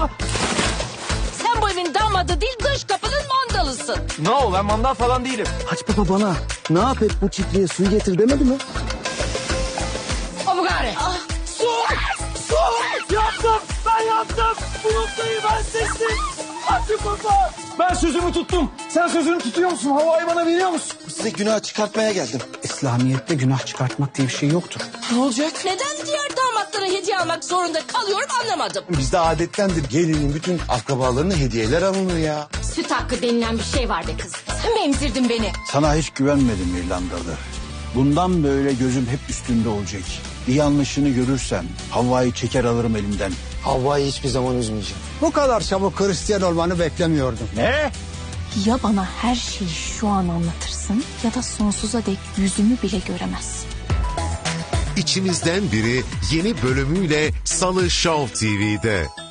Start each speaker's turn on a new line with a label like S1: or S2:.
S1: Sen bu evin damadı değil, dış kapının mandalısın.
S2: No, ben mandal falan değilim.
S3: Haç baba bana ne yap et bu çiftliğe suyu getir demedi mi?
S1: O mu gari?
S2: Su! Yaptım! Ben yaptım! Bu noktayı ben seçtim! Hadi baba! Ben sözümü tuttum. Sen sözünü tutuyor musun? Havayı bana veriyor musun?
S3: Size günah çıkartmaya geldim.
S4: İslamiyet'te günah çıkartmak diye bir şey yoktur.
S2: Ne olacak?
S1: Neden diğer damatlara hediye almak zorunda kalıyorum anlamadım.
S3: Bizde adettendir gelinin bütün akrabalarına hediyeler alınır ya.
S1: Süt hakkı denilen bir şey var be kız. Sen mi emzirdin beni?
S5: Sana hiç güvenmedim İrlandalı. Bundan böyle gözüm hep üstünde olacak. Bir yanlışını görürsem Havva'yı çeker alırım elinden.
S3: Havva'yı hiçbir zaman üzmeyeceğim.
S4: Bu kadar çabuk Hristiyan olmanı beklemiyordum.
S5: Ne?
S6: Ya bana her şeyi şu an anlatırsın ya da sonsuza dek yüzümü bile göremezsin.
S7: İçimizden Biri yeni bölümüyle Salı Show TV'de.